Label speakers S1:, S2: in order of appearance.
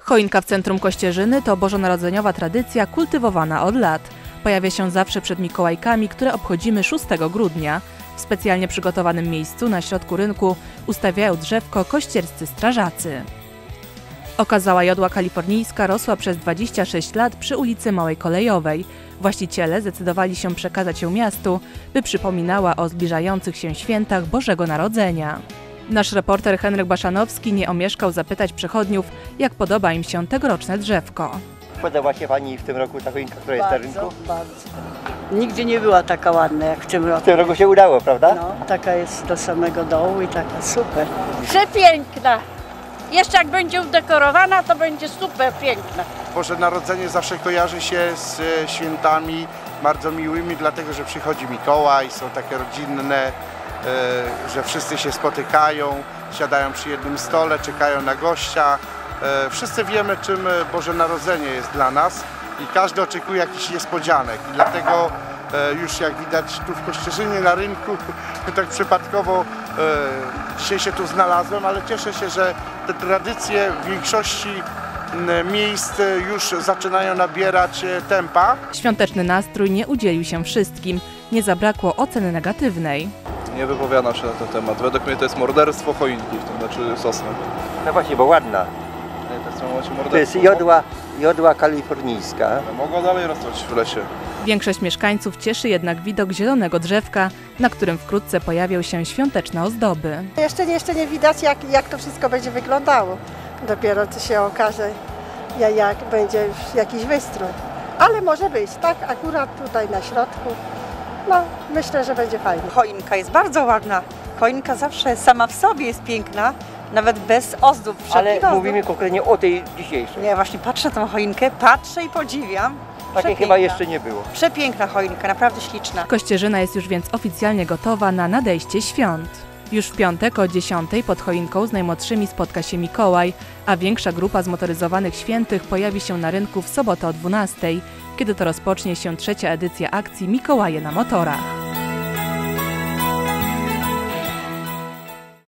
S1: Choinka w centrum Kościerzyny to bożonarodzeniowa tradycja kultywowana od lat. Pojawia się zawsze przed Mikołajkami, które obchodzimy 6 grudnia. W specjalnie przygotowanym miejscu na środku rynku ustawiają drzewko kościerscy strażacy. Okazała jodła kalifornijska rosła przez 26 lat przy ulicy Małej Kolejowej. Właściciele zdecydowali się przekazać ją miastu, by przypominała o zbliżających się świętach Bożego Narodzenia. Nasz reporter Henryk Baszanowski nie omieszkał zapytać przechodniów, jak podoba im się tegoroczne drzewko.
S2: Podoba się Pani w tym roku ta choinka, która jest na rynku?
S3: Bardzo. Nigdzie nie była taka ładna jak w tym roku.
S2: W tym roku się udało, prawda?
S3: No, taka jest do samego dołu i taka super.
S4: Przepiękna. Jeszcze jak będzie udekorowana, to będzie super piękna.
S5: Boże Narodzenie zawsze kojarzy się z świętami bardzo miłymi, dlatego że przychodzi Mikołaj, są takie rodzinne, że wszyscy się spotykają, siadają przy jednym stole, czekają na gościa. Wszyscy wiemy, czym Boże Narodzenie jest dla nas i każdy oczekuje jakichś niespodzianek. I dlatego już jak widać tu w Kościerzynie na rynku, tak przypadkowo dzisiaj się tu znalazłem, ale cieszę się, że te tradycje w większości miejsc już zaczynają nabierać tempa.
S1: Świąteczny nastrój nie udzielił się wszystkim. Nie zabrakło oceny negatywnej.
S6: Nie wypowiadam się na ten temat. Według mnie to jest morderstwo choinki, to znaczy sosny.
S2: No właśnie, bo ładna.
S6: Nie, to jest w tym momencie morderstwo.
S2: To jest jodła kalifornijska.
S6: Mogła dalej rosnąć w lesie.
S1: Większość mieszkańców cieszy jednak widok zielonego drzewka, na którym wkrótce pojawią się świąteczne ozdoby.
S7: Jeszcze nie widać, jak to wszystko będzie wyglądało. Dopiero to się okaże, jak będzie już jakiś wystrój. Ale może być, tak? Akurat tutaj na środku. No, myślę, że będzie fajnie.
S8: Choinka jest bardzo ładna. Choinka zawsze sama w sobie jest piękna, nawet bez ozdób.
S2: Ale mówimy konkretnie o tej dzisiejszej.
S8: Nie, właśnie patrzę na tą choinkę, patrzę i podziwiam.
S2: Takiej chyba jeszcze nie było.
S8: Przepiękna choinka, naprawdę śliczna.
S1: Kościerzyna jest już więc oficjalnie gotowa na nadejście świąt. Już w piątek o 10 pod choinką z najmłodszymi spotka się Mikołaj, a większa grupa zmotoryzowanych świętych pojawi się na rynku w sobotę o 12, kiedy to rozpocznie się 3. edycja akcji Mikołaje na motorach.